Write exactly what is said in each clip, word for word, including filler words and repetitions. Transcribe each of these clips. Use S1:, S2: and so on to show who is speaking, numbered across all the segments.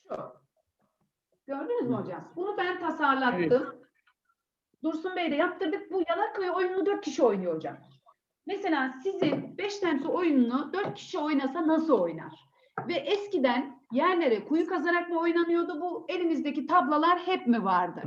S1: Gördünüz mü hocam? Bunu ben tasarlattım. Evet. Dursun Bey de yaptırdık. Bu Yalaköy oyununu dört kişi oynuyor hocam. Mesela sizin beş temsil oyununu dört kişi oynasa nasıl oynar? Ve eskiden yerlere kuyu kazarak mı oynanıyordu? Bu elinizdeki tablalar hep mi vardı?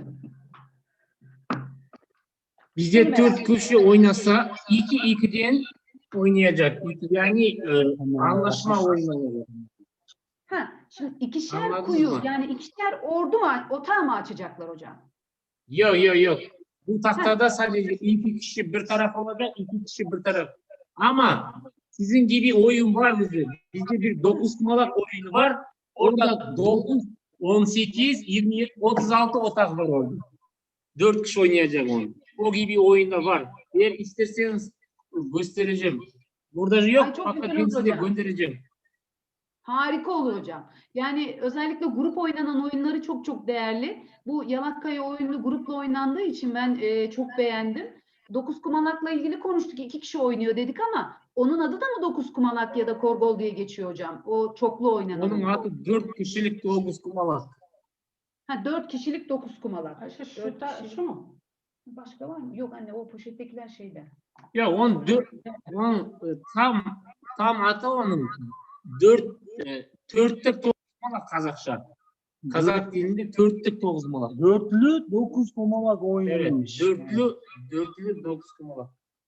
S2: Bizde dört kişi oynasa iki ikiden oynayacak. Yani e, anlaşma oynanıyor.
S1: Ha, şimdi ikişer
S2: Anladınız
S1: kuyu
S2: mı?
S1: yani ikişer ordu mu, otağı mı açacaklar hocam?
S2: Yok yok yok. Bu tahtada sadece iki kişi bir taraf olacak, iki kişi bir taraf. Ama sizin gibi oyun var bizde. Bizde bir dokuz kumalak oyunu var. Orada dokuz, on sekiz, yirmi, otuz altı otak var orada. dört kişi oynayacak onu. O gibi oyunda var. Eğer isterseniz göstereceğim. Burada yok.
S1: Ay, çok
S2: Fakat
S1: güzel
S2: ben
S1: olur
S2: size
S1: hocam.
S2: göndereceğim.
S1: Harika olur hocam. Yani özellikle grup oynanan oyunları çok çok değerli. Bu Yalaköy oyunu grupla oynandığı için ben e, çok beğendim. Dokuz kumalakla ilgili konuştuk. İki kişi oynuyor dedik ama onun adı da mı dokuz kumalak ya da korgol diye geçiyor hocam? O çoklu oynanan.
S2: Onun adı dört kişilik dokuz kumalak.
S1: Ha, dört kişilik dokuz kumalak.
S3: Ayşe şu, da, şu mu?
S1: Başka var mı? Yok anne, o poşettekiler şeyde.
S2: Ya on dört, on e, tam tam adı onun dört e, dörtlük dokuz kumalak Kazakça. Kazak dilinde dörtlük dokuz kumalak.
S3: Dörtlü dokuz kumalak oynanmış.
S2: Evet, dörtlü dörtlü dokuz kumalak.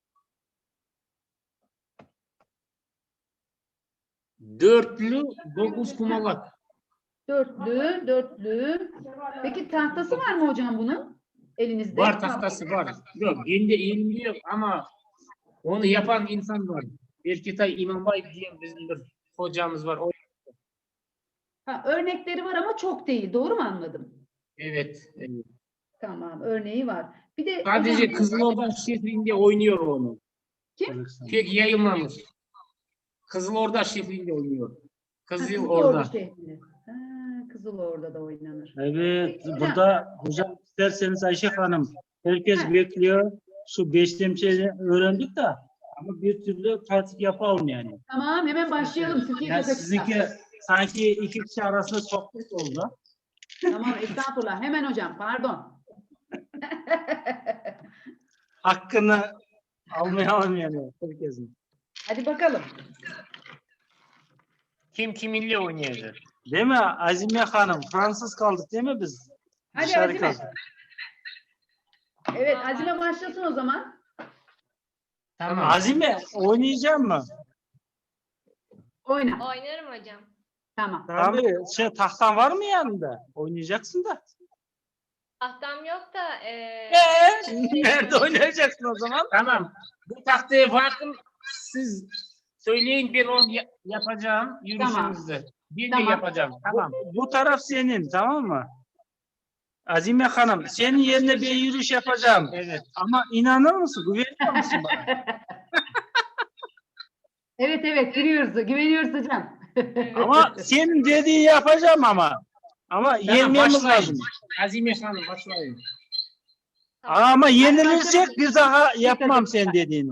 S2: Dörtlü dokuz kumalak.
S1: Dörtlü, dörtlü. Peki tahtası var mı hocam bunun? Elinizde.
S2: Var, tahtası var. Yok, kendi elimde yok ama onu yapan insan var. Erketay İmambay diye bizim bir hocamız var. O...
S1: Ha, örnekleri var ama çok değil. Doğru mu anladım?
S2: Evet. evet.
S1: Tamam, örneği var. Bir de
S2: Sadece
S1: hocam,
S2: Kızılorda şehrinde oynuyor onu.
S1: kim?
S2: Pek yayınlamış. Kızılorda şehrinde oynuyor.
S1: Kızılorda
S2: Kızılorda.
S1: şehrinde. Ha, Kızılorda oylanır.
S3: Evet,
S1: Hocam.
S3: burada hocam isterseniz Ayşe Hanım, herkes
S1: Ha.
S3: bekliyor. Şu beş temsilini öğrendik de ama bir türlü pratik yapalım yani.
S1: Tamam, hemen başlayalım. Türkiye
S3: Yani
S1: Kazakistan.
S3: sizinki sanki iki kişi arasında sohbet oldu.
S1: Tamam, estağfurullah. Hemen hocam, pardon.
S3: Hakkını almayalım yani herkesin.
S1: Hadi bakalım.
S2: Kim kiminle oynayacak?
S3: Değil mi Azime Hanım? Fransız kaldık değil mi biz?
S1: Hadi
S3: Dışarı
S1: Azime.
S3: kaldık.
S1: Evet, Azime başlasın o zaman.
S2: Tamam.
S3: Azime oynayacak mı?
S1: Oyna.
S4: Oynarım hocam.
S1: Tamam.
S3: Tabii. Şey, tahtan var mı yanında? Oynayacaksın da.
S4: Tahtam yok da e,
S3: Eee? Nerede oynayacaksın o zaman?
S2: Tamam. Bu tahtaya bakın. Siz söyleyin, ben onu ya- yapacağım yürüyüşümüzde. Ben
S1: Tamam.
S2: de yapacağım. Tamam.
S3: Bu, bu taraf senin, tamam mı? Azime Hanım, senin yerine bir yürüyüş yapacağım.
S2: Evet.
S3: Ama inanır mısın? Güveniyor musun bana?
S1: Evet evet, giriyoruz. Güveniyoruz hocam.
S3: Ama senin dediği yapacağım ama. Ama
S2: Tamam,
S3: yenmemiz
S2: başlayın.
S3: lazım.
S2: Azime Hanım başlayın.
S3: Ama yenilirsek bir daha yapmam sen dediğini.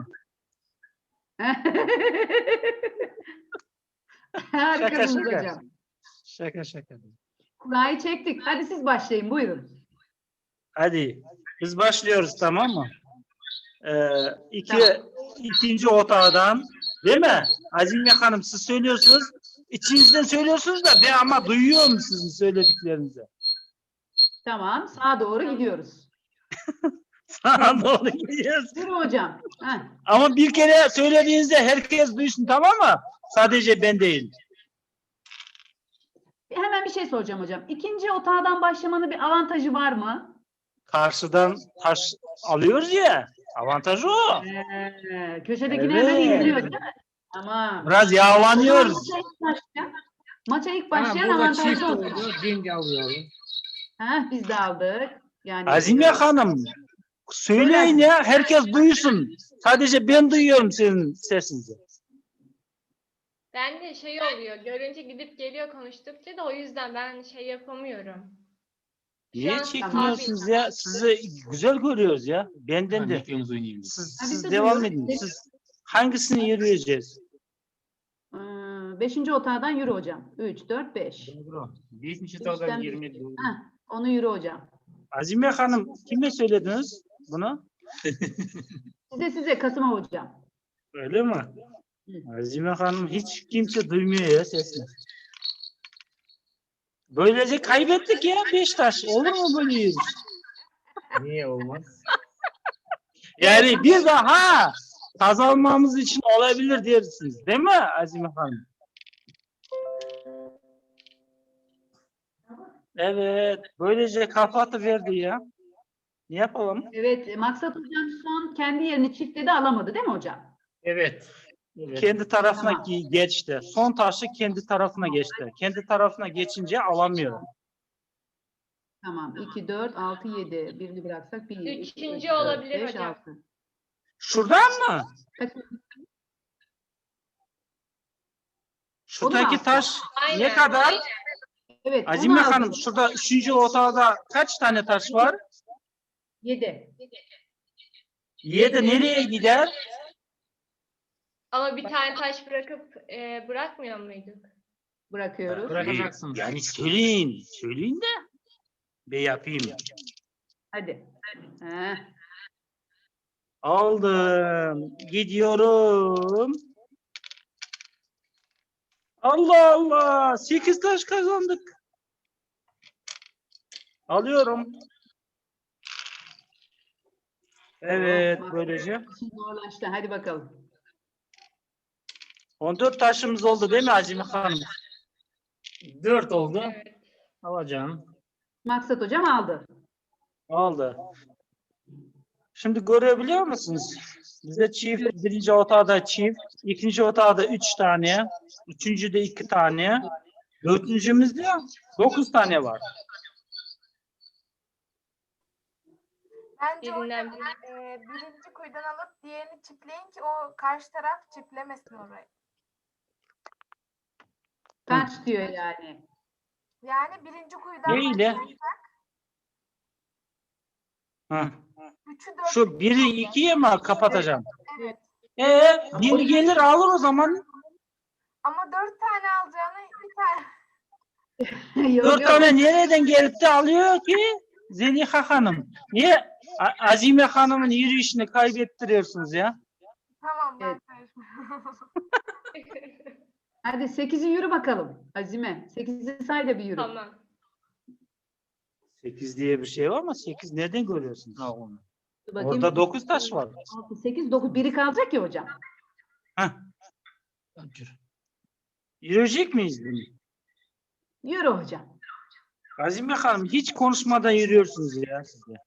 S1: Harikasınız
S3: Şaka, şaka.
S1: hocam.
S3: Şaka şaka.
S1: Kurayı çektik. Hadi siz başlayın. Buyurun.
S3: Hadi biz başlıyoruz, tamam mı? Ee, iki,
S1: Tamam.
S3: ikinci otağdan, değil mi? Azime Hanım siz söylüyorsunuz. İçinizden söylüyorsunuz da ben ama duyuyorum sizin söylediklerinizi.
S1: Tamam. Sağa doğru gidiyoruz.
S3: Sağa doğru gidiyoruz.
S1: Yürü hocam. Heh.
S3: Ama bir kere söylediğinizde herkes duysun, tamam mı? Sadece ben değil.
S1: Hemen bir şey soracağım hocam. İkinci otağdan başlamanın bir avantajı var mı?
S3: Karşıdan taş alıyoruz ya. Avantajı o.
S1: Ee, köşedekilerden
S3: Evet.
S1: indiriyor değil mi? Tamam.
S3: Biraz yağlanıyoruz.
S1: Maça ilk başlayan, maça ilk
S2: Tamam,
S1: başlayan
S2: burada çift
S1: avantajlı oldu.
S2: oldu. Ben de alıyorum.
S1: Heh, biz de aldık. Yani
S3: Azime Hanım söyleyin ya, herkes duysun. Sadece ben duyuyorum sizin sesinizi.
S4: ben de şey oluyor. Görünce gidip geliyor konuştukça da o yüzden ben şey yapamıyorum.
S3: Niye
S4: an
S3: çekmiyorsunuz ya? Sizi güzel görüyoruz ya. Benden de.
S2: Mikrofonu oynayayım.
S3: Siz,
S1: Ha, biz
S3: siz
S1: de
S3: devam
S1: duyuyoruz.
S3: edin. Siz hangisini yürüyeceğiz?
S1: Hmm, beşinci otağdan yürü hocam. üç, dört, beş.
S2: Doğru. Beşinci
S1: Beşten
S2: tavdan
S1: bir.
S2: yirmi. Doğru.
S1: Heh, onu yürü hocam.
S3: Azime Hanım kime söylediniz bunu?
S1: Size size Kasım'a hocam.
S3: Öyle mi?
S1: Hı.
S3: Azime Hanım hiç kimse duymuyor ya sesini. Böylece kaybettik ya Beşiktaş. Olur mu böyle yürüyüş?
S2: Niye olmaz?
S3: Yani bir daha kazanmamız için olabilir dersiniz. Değil mi Azime Hanım? Evet. Böylece kafa atıverdi ya. Ne yapalım?
S1: Evet, Maksat hocam son kendi yerini çiftledi, alamadı değil mi hocam?
S2: Evet. Evet.
S3: Kendi tarafına
S1: Tamam.
S3: gi- geçti. Son taşı kendi tarafına geçti. Kendi tarafına geçince alamıyor.
S1: Tamam. iki, dört, altı, yedi. Birini bıraksak bir, iki,
S4: Üçüncü
S1: üç, dört,
S4: olabilir
S1: beş,
S4: hocam.
S1: altı.
S3: Şuradan mı?
S1: Kaç-
S3: Şuradaki
S1: Onu mu
S3: taş
S4: Aynen.
S3: ne kadar?
S1: Evet,
S3: Azime
S1: onu aldım.
S3: Hanım şurada üçüncü otağda kaç tane taş var?
S1: Yedi.
S3: Yedi nereye gider?
S4: Ama bir tane taş bırakıp e, bırakmıyor muyduk?
S1: Bırakıyoruz.
S2: Bırakacaksınız.
S3: Yani söyleyin. Söyleyin de ben yapayım.
S1: Hadi. Heh.
S3: Aldım. Gidiyorum. Allah Allah. Sekiz taş kazandık. Alıyorum. Evet
S1: Bak,
S3: böylece.
S1: işin zorlaştı. Hadi bakalım.
S3: on dört taşımız oldu değil mi Azime Hanım?
S2: Dört oldu.
S4: Evet.
S2: Alacağım.
S1: Maksat hocam aldı.
S3: Aldı. Şimdi görebiliyor musunuz? Bizde çift, birinci otağda çift, ikinci otağda üç tane, üçüncüde iki tane, dördüncümüzde dokuz tane var.
S5: Bence
S4: Birinden
S5: hocam
S4: biri.
S5: e, birinci kuyudan alıp diğerini çipleyin ki o karşı taraf çiplemesin orayı.
S1: Kaç diyor yani.
S5: Yani birinci kuyudan
S3: Ne ile?
S5: başlarsak
S3: Hı.
S5: üçü dört
S3: Şu biri ikiye mi kapatacağım?
S5: evet.
S3: Ee, biri gelir alır o zaman.
S5: Ama dört tane alacağını bir tane.
S1: Yok,
S3: Dört
S1: yok.
S3: tane nereden gelip de alıyor ki Zeliha Hanım? Niye A- Azime Hanım'ın yürüyüşünü kaybettiriyorsunuz ya?
S5: Tamam ben
S1: Evet.
S5: karışmam.
S1: Hadi sekizi yürü bakalım. Azime. Sekizi say da bir yürü.
S4: Tamam.
S3: Sekiz diye bir şey var ama sekiz nereden görüyorsunuz?
S1: Dur bakayım.
S3: Orada dokuz taş var.
S1: altı, sekiz, dokuz. Biri kalacak ya hocam.
S3: Heh. Yürüyecek miyiz bunu?
S1: Yürü hocam.
S3: Azime Hanım hiç konuşmadan yürüyorsunuz ya siz de.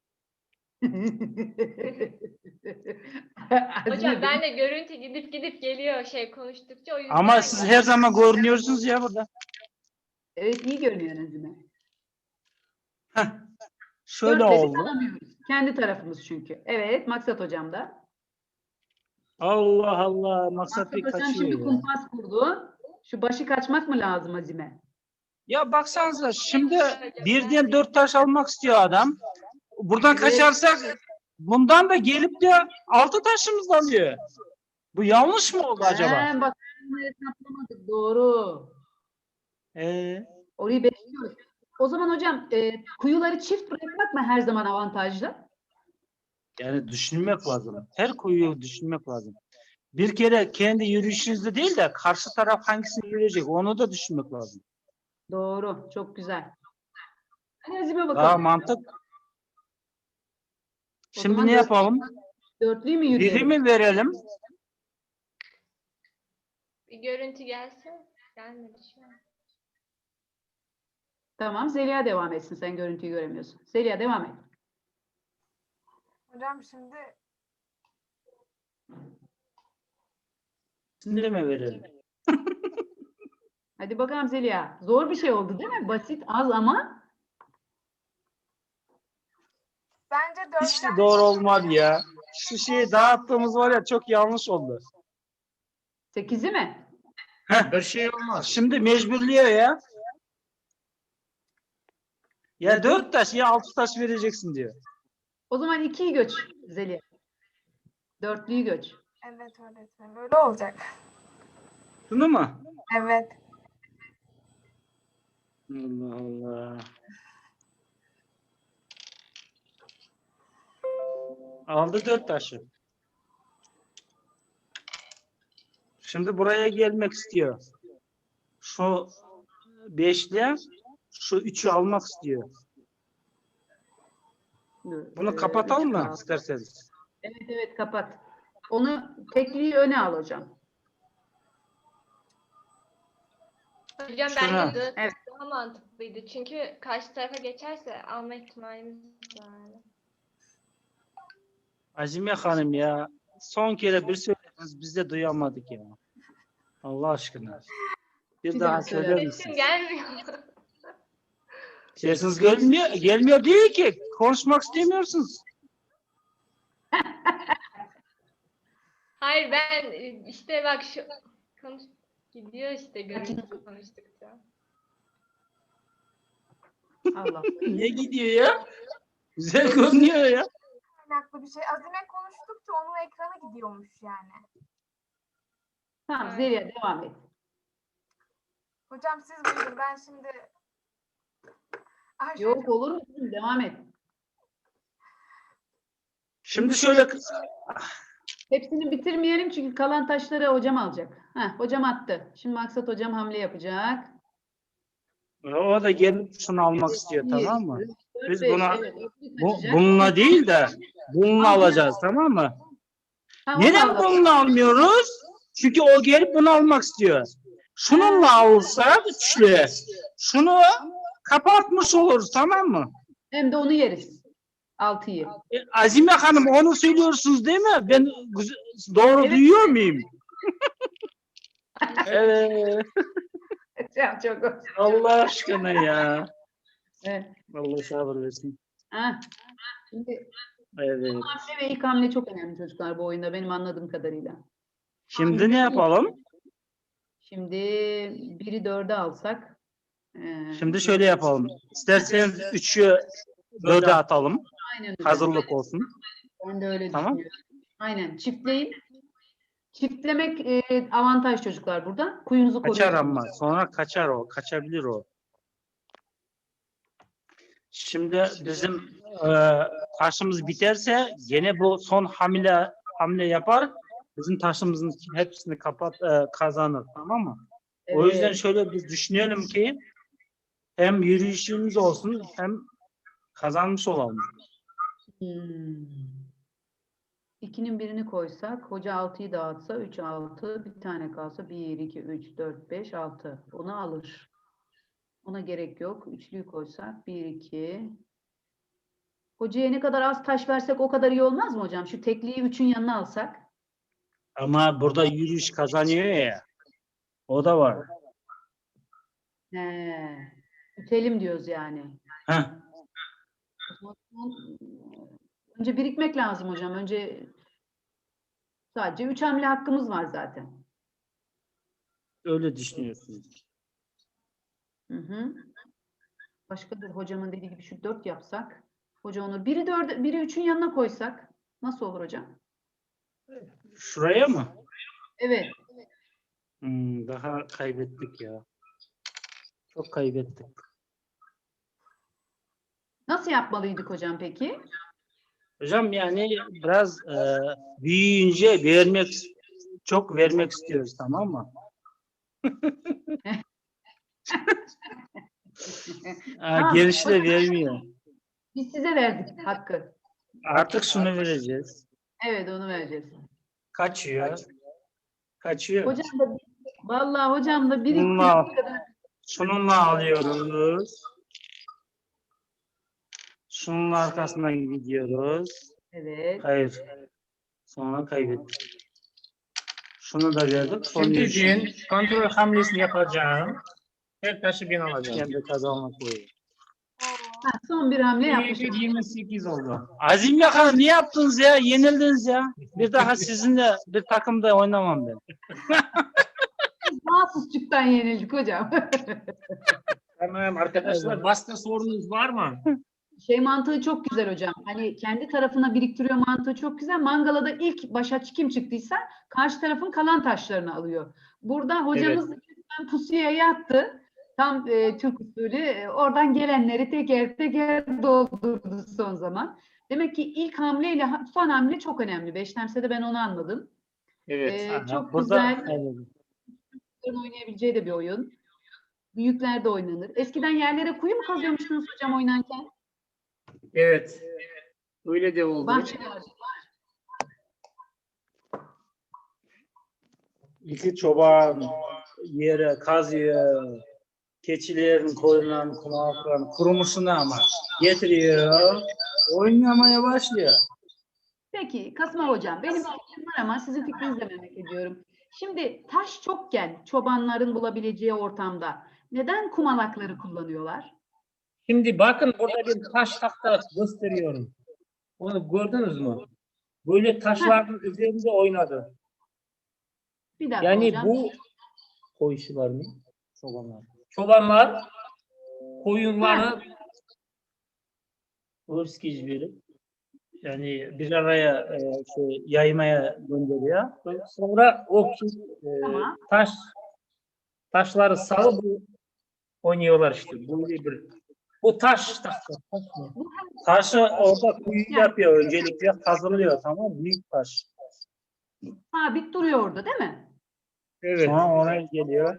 S4: Hocam ben de görüntü gidip gidip geliyor şey konuştukça o yüzden.
S3: Ama siz her zaman görünüyorsunuz ya burada.
S1: Evet, iyi görünüyor Azime.
S3: Heh. Şöyle
S1: Dörtle biz
S3: oldu.
S1: alamıyoruz. Kendi tarafımız çünkü. Evet, Maksat hocam da.
S3: Allah Allah. Maksat
S1: Maksat
S3: bir
S1: hocam
S3: kaçıyor
S1: şimdi
S3: ya.
S1: kumpas kurdu. Şu başı kaçmak mı lazım Azime?
S3: Ya baksanıza şimdi birden dört taş almak istiyor adam. Buradan
S1: Evet.
S3: kaçarsak bundan da gelip de altı taşımız alıyor. Bu yanlış mı oldu acaba?
S1: He, bak bunu hesaplamadık. Doğru.
S3: Ee,
S1: Orayı bekliyoruz. O zaman hocam e, kuyuları çift bırakmak mı her zaman avantajlı?
S3: yani düşünmek lazım. Her kuyuyu düşünmek lazım. Bir kere kendi yürüyüşünüzde değil de karşı taraf hangisini yürüyecek onu da düşünmek lazım.
S1: Doğru. Çok güzel. Hadi Azime
S3: Daha
S1: bakalım.
S3: mantık.
S1: O
S3: Şimdi
S1: zaman
S3: ne
S1: dört-
S3: yapalım?
S1: Dörtlüyü mü
S3: Biri
S1: yürüyelim?
S3: mi verelim?
S4: Bir görüntü gelsin. Gelmedi şu an.
S1: Tamam. Zeliha devam etsin. Sen görüntüyü göremiyorsun. Zeliha devam et.
S5: Hocam şimdi
S3: Şimdi mi verelim?
S1: Hadi bakalım Zeliha. Zor bir şey oldu değil mi? Basit, az ama
S5: bence dört
S3: Hiç de doğru olmadı ya. Şu şeyi dağıttığımız var ya çok yanlış oldu.
S1: sekizi mi?
S2: Bir şey olmaz.
S3: Şimdi mecburluyor ya. Ya dört taş ya altı taş vereceksin diyor.
S1: O zaman ikiyi göç Zeliha. Dörtlüyü göç.
S5: evet öğretmenim öyle olacak.
S3: Şunu mu?
S5: Evet.
S3: Allah Allah. Aldı dört taşı. Şimdi buraya gelmek istiyor. Şu beşli, şu üçü almak istiyor. Bunu
S1: Ee,
S3: kapatalım
S1: üç
S3: mı
S1: kaldı.
S3: isterseniz?
S1: Evet evet kapat. Onu tekliği öne al hocam.
S4: Hocam
S3: Şuna.
S4: bence dört
S1: Evet.
S4: daha mantıklıydı. Çünkü karşı tarafa geçerse alma ihtimalimiz var.
S3: Azime Hanım ya, son kere bir söylediniz, biz de duyamadık ya. Allah aşkına. Bir,
S1: Bir
S3: daha
S1: daha
S3: söyler
S1: söyler
S4: Sesim
S3: misiniz?
S4: gelmiyor.
S3: Sesiniz gelmiyor, gelmiyor değil ki. Konuşmak istemiyorsunuz.
S4: Hayır ben e, işte bak şu konuş gidiyor işte görüntü konuştukça.
S1: Allah.
S3: Ne gidiyor ya? Güzel görünüyor ya.
S5: Kaynaklı bir şey. Azime konuştukça onun ekranı gidiyormuş yani.
S1: Tamam
S4: Evet.
S1: Zeliha devam et.
S5: Hocam siz buyurun, ben şimdi Ayşe
S1: Yok
S5: hocam,
S1: olur mu? kızım? Devam et.
S3: Şimdi şöyle
S1: Hepsini bitirmeyelim çünkü kalan taşları hocam alacak. Heh, hocam attı. Şimdi Maksat hocam hamle yapacak.
S3: o da gelip şunu almak istiyor,
S1: Bir,
S3: tamam mı?
S1: üç, dört,
S3: Biz
S1: beş.
S3: buna
S1: Evet, öbürü
S3: bu,
S1: kaçacak.
S3: bununla değil de bununla
S1: Altı
S3: alacağız, tamam mı?
S1: Ha, onu
S3: Neden
S1: alalım.
S3: bununla almıyoruz? Çünkü o gelip bunu almak istiyor. Şununla alsak üçlü, şunu kapatmış oluruz, tamam mı?
S1: Hem de onu yeriz. Altıyı.
S3: E, Azime Hanım onu söylüyorsunuz değil mi? Ben güz- doğru
S1: Evet.
S3: duyuyor muyum? Evet.
S1: Çok çok.
S3: Allah aşkına ya.
S1: Evet.
S3: Allah sabır versin.
S1: Ha. Şimdi
S3: Evet.
S1: hamle ve ilk hamle çok önemli çocuklar bu oyunda benim anladığım kadarıyla.
S3: Şimdi ne yapalım?
S1: Şimdi biri dörde alsak. e,
S3: Şimdi şöyle yapalım. İsterseniz üçü dörde atalım.
S1: Aynen öyle.
S3: Hazırlık olsun.
S1: Ben de öyle
S3: Tamam.
S1: düşünüyorum. Aynen. Çiftleyin. Çiftlemek e, avantaj çocuklar burada. Kuyunuzu
S3: Kaçar
S1: koruyorsunuz.
S3: ama. Sonra kaçar o. Kaçabilir o. Şimdi bizim e, taşımız biterse gene bu son hamle hamle yapar. Bizim taşımızın hepsini kapat e, kazanır, tamam mı? O
S1: Evet.
S3: yüzden şöyle biz düşünelim ki hem yürüyüşümüz olsun hem kazanmış olalım.
S1: Hmm. İkinin birini koysak, hoca altıyı dağıtsa, üç, altı, bir tane kalsa, bir, iki, üç, dört, beş, altı. Onu alır. Ona gerek yok. Üçlüyü koysak, bir, iki. Hocaya ne kadar az taş versek o kadar iyi olmaz mı hocam? Şu tekliği üçün yanına alsak.
S3: Ama burada yürüyüş kazanıyor ya. O da var.
S1: He. Ütelim diyoruz yani.
S3: Heh.
S1: O zaman, önce birikmek lazım hocam. Önce sadece üç hamle hakkımız var zaten.
S3: Öyle düşünüyorsunuz.
S1: Hı hı. Başka bir hocamın dediği gibi şu dört yapsak. Hoca onu biri dörde, biri üçün yanına koysak. Nasıl olur hocam?
S3: Şuraya mı?
S1: Evet.
S3: Hmm, daha kaybettik ya. Çok kaybettik.
S1: Nasıl yapmalıydık hocam peki?
S3: Hocam yani biraz e, büyüyünce vermek çok vermek istiyoruz, tamam mı? Ha,
S1: Tamam,
S3: gençler
S1: hocam.
S3: vermiyor.
S1: Biz size verdik hakkı.
S3: Artık şunu vereceğiz.
S1: Evet onu vereceğiz.
S3: Kaçıyor. Kaçıyor.
S1: Hocam da vallahi hocam da
S3: Bununla,
S1: biriktirdiği kadar.
S3: şununla alıyoruz. Şunun arkasından gidiyoruz.
S1: Evet.
S3: Hayır. Sonra kaybettik. Şunu da verdik. Son
S2: Şimdi
S3: yürüyüşü.
S2: ben kontrol hamlesini yapacağım. Her taşı ben alacağım.
S3: Kendi kazanmak koyuyor.
S1: Ha, son bir hamle
S2: Bir
S1: yapmışız.
S2: yirmi sekiz oldu.
S3: Azim Yakan ne yaptınız ya? Yenildiniz ya. Bir daha sizinle bir takımda oynamam ben.
S1: Mahsusçuktan yenildik hocam.
S2: Tamam arkadaşlar. Başka sorunuz var mı?
S1: Şey mantığı çok güzel hocam. Hani kendi tarafına biriktiriyor mantığı çok güzel. Mangalada ilk başa kim çıktıysa karşı tarafın kalan taşlarını alıyor. Burada hocamız evet. pusuya yattı. Tam e, Türk usulü. E, oradan gelenleri teker teker doldurdu son zaman. Demek ki ilk hamleyle son hamle çok önemli. Beşlemsede ben onu anladım.
S2: Evet.
S1: E,
S3: Aha,
S1: çok
S3: burada-
S1: güzel. Evet. Oynayabileceği de bir oyun. Büyükler de oynanır. Eskiden yerlere kuyu mu kazıyormuşsunuz hocam oynarken?
S2: Evet. Öyle de oldu.
S1: Bahçelerde.
S3: İki çoban yere kazıyor. Keçilerin, koyunların, kulaklarını kurumuşunu ama getiriyor. Oynamaya başlıyor.
S1: Peki Kasım hocam benim fikrim var ama sizin fikrinizi de merak ediyorum. Şimdi taş çokken çobanların bulabileceği ortamda neden kumalakları kullanıyorlar?
S2: Şimdi bakın burada bir taş tahta gösteriyorum. Onu gördünüz mü? Böyle taşların üzerinde oynadı.
S1: Bir dakika
S2: Yani
S1: hocam.
S2: bu koyuşular mı? Çobanlar. Çobanlar koyunları
S3: Hırskiz verip yani bir araya e, şey, yaymaya gönderiyor.
S2: sonra o ki, e,
S1: Tamam.
S2: taş taşları salıp oynuyorlar işte. Böyle bir bu taş tahta. Taş mı?
S3: Taşı orada kuyu yapıyor öncelikle hazırlıyor, tamam mı? Büyük taş.
S1: Sabit duruyor orada değil mi?
S2: Evet.
S3: Sonra oraya geliyor.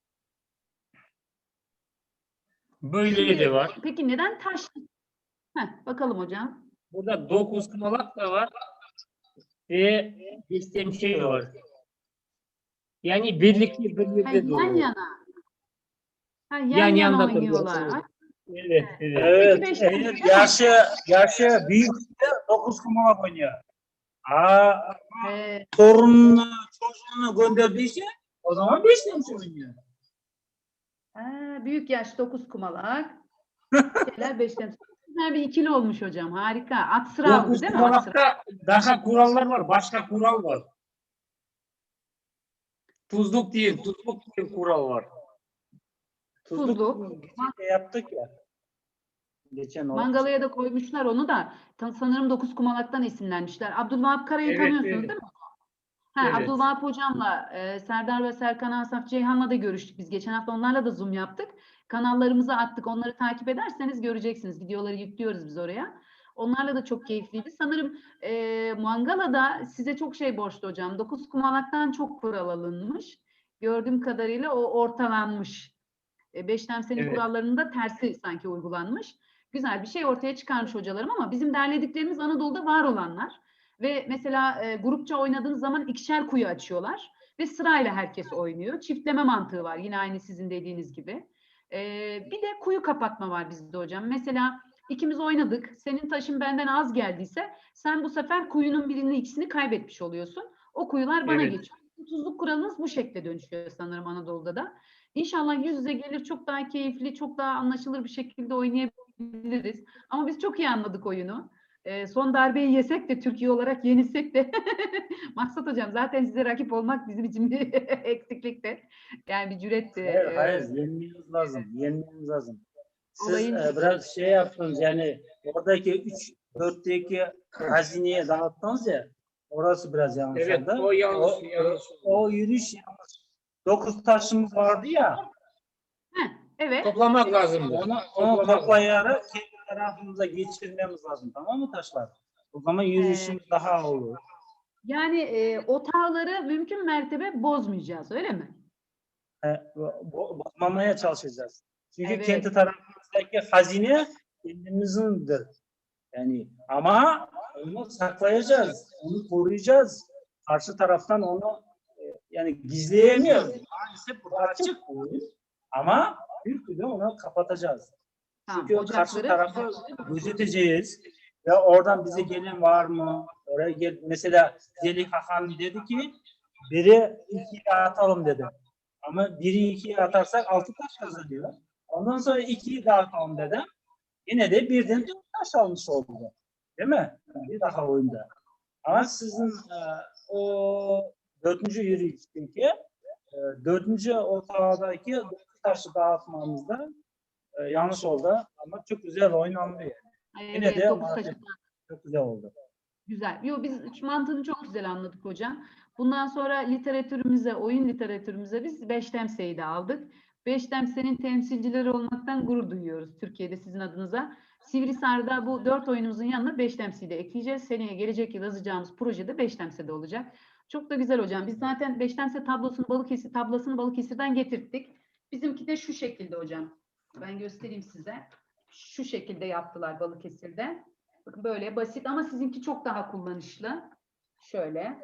S2: Böyle
S1: Şimdi,
S2: de var.
S1: peki neden taş? Heh, bakalım hocam.
S2: Burada dokuz kumalak da var. Ve bir şey var. Yani birlikte
S1: Ha,
S2: birlikte
S1: yan
S2: duruyor.
S1: yana. Ha, yan,
S2: Yan
S1: yana
S2: yanda
S1: oynuyorlar.
S2: duruyor.
S1: Ay,
S2: Evet, evet.
S3: Evet,
S1: beş
S3: eğer
S1: dakika.
S3: yaşı, yaşı büyük dokuz kumalak oynuyor. Aa,
S1: Ee,
S3: torununu, çocuğunu gönderdiyse o zaman beş tane oynuyor.
S1: ha, büyük yaş dokuz kumalak. Şeyler beş temsil. Güzel bir ikili olmuş hocam. Harika. At sıra aldı
S2: Dokuz
S1: değil mi? At sıra.
S2: kumalakta daha kurallar var. Başka kural var. Tuzluk değil, tuzluk diye kural var.
S1: Tuzluk.
S3: Geçen yaptık ya. Geçen o.
S1: Mangalaya da koymuşlar onu da. Ta- Sanırım dokuz kumalaktan esinlenmişler. Abdülvahap Kara'yı
S2: Evet,
S1: tanıyorsunuz
S2: evet.
S1: değil mi? Ha,
S2: Evet.
S1: Abdülvahap hocamla e, Serdar ve Serkan Asaf Ceyhan'la da görüştük biz. Geçen hafta onlarla da Zoom yaptık. Kanallarımıza attık. Onları takip ederseniz göreceksiniz. Videoları yüklüyoruz biz oraya. Onlarla da çok keyifliydi. Sanırım e, Mangala'da size çok şey borçlu hocam. Dokuz kumalaktan çok kural alınmış. Gördüğüm kadarıyla o ortalanmış. E, Beşlemsenin
S2: Evet.
S1: kurallarının da tersi sanki uygulanmış. Güzel bir şey ortaya çıkarmış hocalarım ama bizim derlediklerimiz Anadolu'da var olanlar. Ve mesela e, grupça oynadığınız zaman ikişer kuyu açıyorlar ve sırayla herkes oynuyor. Çiftleme mantığı var yine aynı sizin dediğiniz gibi. E, bir de kuyu kapatma var bizde hocam. Mesela ikimiz oynadık. Senin taşın benden az geldiyse sen bu sefer kuyunun birini ikisini kaybetmiş oluyorsun. O kuyular bana
S2: Evet.
S1: geçiyor. Tuzluk kuralınız bu şekilde dönüşüyor sanırım Anadolu'da da. İnşallah yüz yüze gelir çok daha keyifli, çok daha anlaşılır bir şekilde oynayabiliriz. Ama biz çok iyi anladık oyunu. E, son darbeyi yesek de Türkiye olarak yenilsek de Maksat hocam zaten size rakip olmak bizim için bir eksiklikti. Yani bir cüretti.
S3: Hayır,
S1: E,
S3: hayır, yenmemiz lazım. Yenmemiz lazım. Siz
S1: Olayın-
S3: e, biraz şey yaptınız yani oradaki üç, dörtteki hazineye dağıttınız ya, orası biraz yanlış
S2: Evet,
S3: oldu.
S2: o yanlış,
S3: O,
S2: yanlış.
S3: o yürüyüş yanlış. Dokuz taşımız vardı ya,
S1: heh, evet.
S2: Toplamak lazımdı.
S3: onu, onu
S2: Toplamak.
S3: toplayarak kendi tarafımıza geçirmemiz lazım, tamam mı taşlar? O zaman yürüyüşümüz daha olur.
S1: Yani e, otağları mümkün mertebe bozmayacağız öyle mi?
S3: E, bo- bozmamaya çalışacağız. Çünkü
S1: Evet.
S3: kendi tarafımızdaki hazine kendimizindir. Yani ama onu saklayacağız, onu koruyacağız. Karşı taraftan onu e, yani gizleyemiyoruz. Maalesef burada açık bu oyun. Ama bir türlü onu kapatacağız.
S1: Tamam,
S3: Çünkü karşı
S1: ocakları-
S3: tarafı gözeteceğiz ve oradan bize gelen var mı? Oraya gel. Mesela Zelih Hakan dedi ki biri ikiye atalım dedi. Ama biri ikiye atarsak altı taş kazanıyor. Ondan sonra ikiyi dağıtalım dedim. Yine de birden dört taş almış oldu. Değil mi? Bir daha oyunda. Ama sizin e, o dördüncü yürüyüşteki e, dördüncü otağdaki dokuz taşı dağıtmamızda e, yanlış oldu. Ama çok güzel oynandı yani. Yine
S1: Evet,
S3: de
S1: dokuz
S3: maalesef
S1: taşı-
S3: çok güzel oldu.
S1: Güzel. Yo, biz mantığını çok güzel anladık hocam. Bundan sonra literatürümüze, oyun literatürümüze biz Beştemse'yi de aldık. Beştemse'nin temsilcileri olmaktan gurur duyuyoruz Türkiye'de sizin adınıza. Sivrisar'da bu dört oyunumuzun yanına Beştemse'yi de ekleyeceğiz. Seneye gelecek yıl yazacağımız projede Beştemse'de olacak. Çok da güzel hocam. Biz zaten Beştemse tablosunu Balıkesir tablasını Balıkesir'den getirttik. Bizimki de şu şekilde hocam. Ben göstereyim size. Şu şekilde yaptılar Balıkesir'de. Bakın böyle basit ama sizinki çok daha kullanışlı. Şöyle.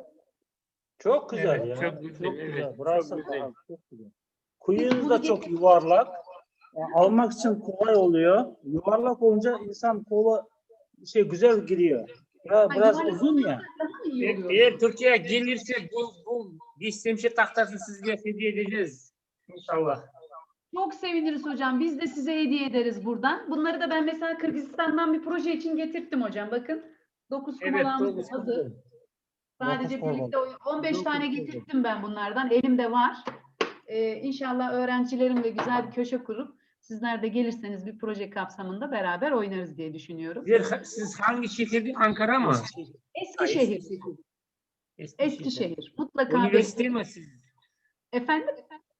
S3: Çok güzel
S2: Evet,
S3: ya.
S2: çok güzel,
S3: Çok
S2: evet,
S3: güzel.
S2: çok
S3: Burası
S2: güzel.
S3: daha çok güzel. Kuyunuz
S1: bunu
S3: da çok
S1: getir-
S3: yuvarlak. Yani almak için kolay oluyor. Yuvarlak olunca insan kola şey güzel giriyor. Ya
S1: Ha,
S3: biraz
S1: yuvarlak
S3: uzun ya.
S1: daha mı iyi
S2: Eğer,
S1: oluyor?
S2: eğer Türkiye'ye gelirse bu, bu Beştemse tahtasını size hediye edeceğiz. İnşallah.
S1: Çok seviniriz hocam. Biz de size hediye ederiz buradan. Bunları da ben mesela Kırgızistan'dan bir proje için getirttim hocam. Bakın. dokuz
S2: Evet,
S1: kumalağımız
S2: dokuz
S1: hazır.
S2: kumalı.
S1: Sadece
S3: Dokuz
S1: birlikte oyun- on beş
S2: Dokuz
S1: tane
S2: kumalı.
S1: getirttim ben bunlardan. Elimde var. Ee, İnşallah öğrencilerimle güzel bir köşe kurup sizler de gelirseniz bir proje kapsamında beraber oynarız diye düşünüyorum.
S2: Siz, siz hangi şehirde? Ankara mı?
S1: Eskişehir.
S2: Eskişehir.
S1: Eskişehir. Mutlaka
S2: Üniversite
S1: bekleyin.
S2: mi siz?
S1: Efendim?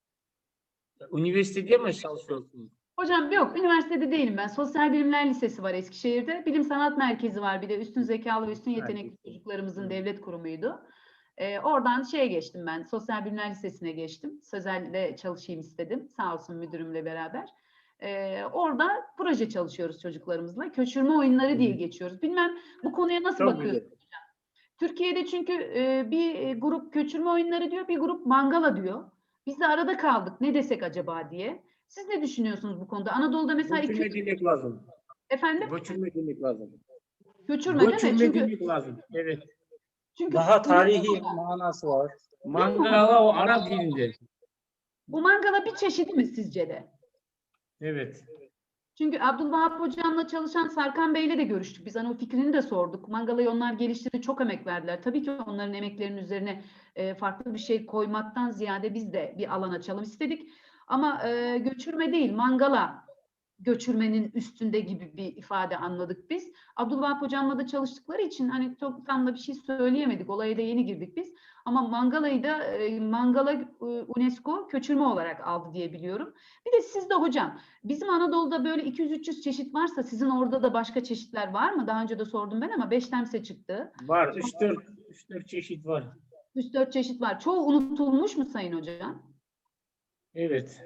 S2: Üniversitede mi çalışıyorsunuz?
S1: Hocam yok, üniversitede değilim ben. Sosyal Bilimler Lisesi var Eskişehir'de. Bilim Sanat Merkezi var bir de üstün zekalı ve üstün yetenekli çocuklarımızın devlet kurumuydu. Ee, oradan şeye geçtim ben, Sosyal Bilimler Lisesi'ne geçtim. Sözel'de çalışayım istedim, sağ olsun müdürümle beraber. Ee, orada proje çalışıyoruz çocuklarımızla. Köçürme oyunları diye geçiyoruz. Bilmem bu konuya nasıl
S2: Çok
S1: bakıyorsunuz hocam? Türkiye'de çünkü e, bir e, grup köçürme oyunları diyor, bir grup mangala diyor. Biz de arada kaldık, ne desek acaba diye. Siz ne düşünüyorsunuz bu konuda? Anadolu'da mesela iki
S2: Göçürme
S1: üç...
S2: demek lazım.
S1: Efendim?
S2: Göçürme demek lazım.
S1: Göçürme değil mi?
S2: Göçürme
S1: Çünkü,
S2: demek lazım. Evet.
S1: çünkü
S3: Daha tarihi
S1: UNESCO
S3: manası var.
S2: Mangala o Arap dilinde.
S1: bu mangala bir çeşidi mi sizce de?
S2: Evet.
S1: Çünkü Abdülvahap Hocam'la çalışan Sarkan Bey'le de görüştük. Biz hani o fikrini de sorduk. Mangalayı onlar geliştirdi, çok emek verdiler. Tabii ki onların emeklerinin üzerine e, farklı bir şey koymaktan ziyade biz de bir alan açalım istedik. Ama e, göçürme değil, mangala göçürmenin üstünde gibi bir ifade anladık biz. Abdülvahap Hocam'la da çalıştıkları için hani çok tam da bir şey söyleyemedik. Olaya da yeni girdik biz. Ama mangalayı da e, mangala e, UNESCO köçürme olarak aldı diye biliyorum. Bir de sizde hocam, bizim Anadolu'da böyle iki yüz üç yüz çeşit varsa sizin orada da başka çeşitler var mı? Daha önce de sordum ben ama Beştemse çıktı.
S2: Var. üç dört üç dört çeşit var.
S1: üç dört çeşit var. Çoğu unutulmuş mu Sayın Hocam?
S2: Evet.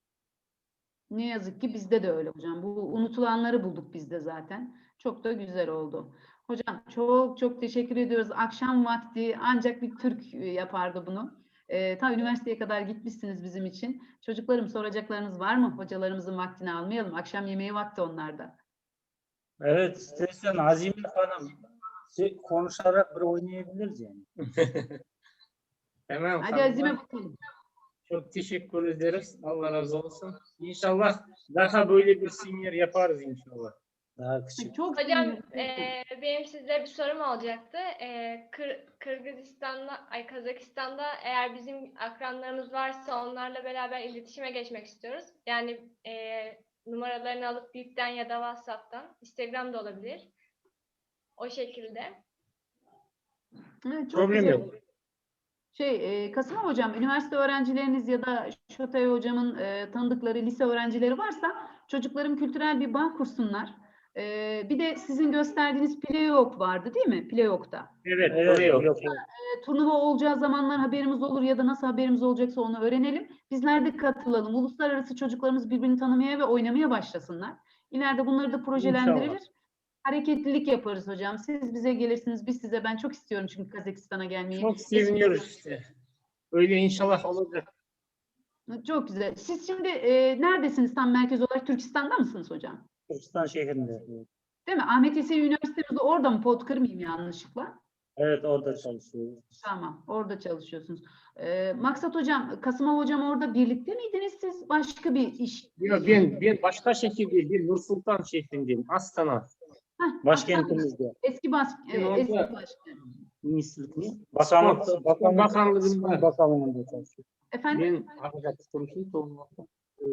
S1: Ne yazık ki bizde de öyle hocam. Bu unutulanları bulduk biz de zaten. Çok da güzel oldu. Hocam çok çok teşekkür ediyoruz. Akşam vakti ancak bir Türk e, yapardı bunu. Ee, ta üniversiteye kadar gitmişsiniz bizim için. Çocuklarım soracaklarınız var mı? Hocalarımızın vaktini almayalım. Akşam yemeği vakti onlarda.
S3: Evet, istersen Azime Hanım şey, konuşarak bir oynayabiliriz yani.
S2: Tamam.
S1: Hadi
S2: tamam.
S1: Azime bakalım.
S2: Çok teşekkür ederiz. Allah razı olsun. İnşallah daha böyle bir seminar yaparız inşallah.
S3: Daha küçük.
S1: Çok
S4: Hocam
S1: sevinirim.
S4: eee, benim size bir sorum olacaktı. Eee, Kır- Kırgızistan'da, ay Kazakistan'da eğer bizim akranlarımız varsa onlarla beraber iletişime geçmek istiyoruz. Yani eee, numaralarını alıp Bip'ten ya da WhatsApp'tan, Instagram'da olabilir. O şekilde.
S1: Evet, çok
S2: Problem
S1: güzel.
S2: yok.
S1: Şey, e, Kasım Hocam, üniversite öğrencileriniz ya da Şotay Hocam'ın e, tanıdıkları lise öğrencileri varsa çocuklarım kültürel bir bağ kursunlar. E, bir de sizin gösterdiğiniz Playok vardı değil mi? Playok'ta.
S2: Evet,
S3: Evet,
S2: oluyor.
S3: yok, yok.
S1: E, turnuva olacağı zamanlar haberimiz olur ya da nasıl haberimiz olacaksa onu öğrenelim. Bizler de katılalım. Uluslararası çocuklarımız birbirini tanımaya ve oynamaya başlasınlar. İleride bunları da projelendirilir.
S2: İnşallah.
S1: Hareketlilik yaparız hocam. Siz bize gelirsiniz, biz size. Ben çok istiyorum çünkü Kazakistan'a gelmeyi.
S2: Çok seviniyoruz işte. Öyle inşallah olacak.
S1: Çok güzel. Siz şimdi e, neredesiniz tam merkez olarak? Türkistan'da mısınız hocam?
S3: Türkistan şehrinde.
S1: Değil mi? Ahmet Yesevi Üniversitemiz de orada mı? Pot kırmayayım yanlışlıkla.
S3: Evet, orada çalışıyoruz.
S1: Tamam, orada çalışıyorsunuz. E, Maksat hocam, Kasım Hocam orada birlikte miydiniz siz? Başka bir iş.
S2: Yok, ben, ben başka şehirde, bir Nur Sultan şehrindeyim. Astana.
S1: Heh,
S3: Başkentimizde.
S1: Eski baş, e,
S2: Ben orada-
S1: eski başkan.
S3: Ministrlik mi? Bakanlık,
S2: Spor-
S3: bakanlık,
S2: Bakanlığında.
S3: Spor Bakanlığı'nda çalışıyor.
S1: Efendim?
S2: Ben arkadaş konuşayım da olmaz.
S3: Ee,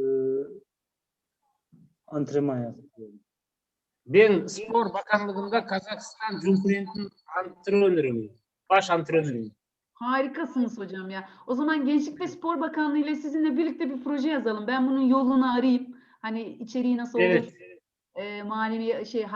S3: antrenman yapıyorum.
S2: Ben Spor Bakanlığı'nda Kazakistan Cumhuriyeti'nin antrenörüyüm. Baş antrenörüyüm.
S1: Harikasınız hocam ya. O zaman Gençlik ve Spor Bakanlığı ile sizinle birlikte bir proje yazalım. Ben bunun yolunu arayayım. Hani içeriği nasıl olur?
S2: Evet.
S1: E, manevi şey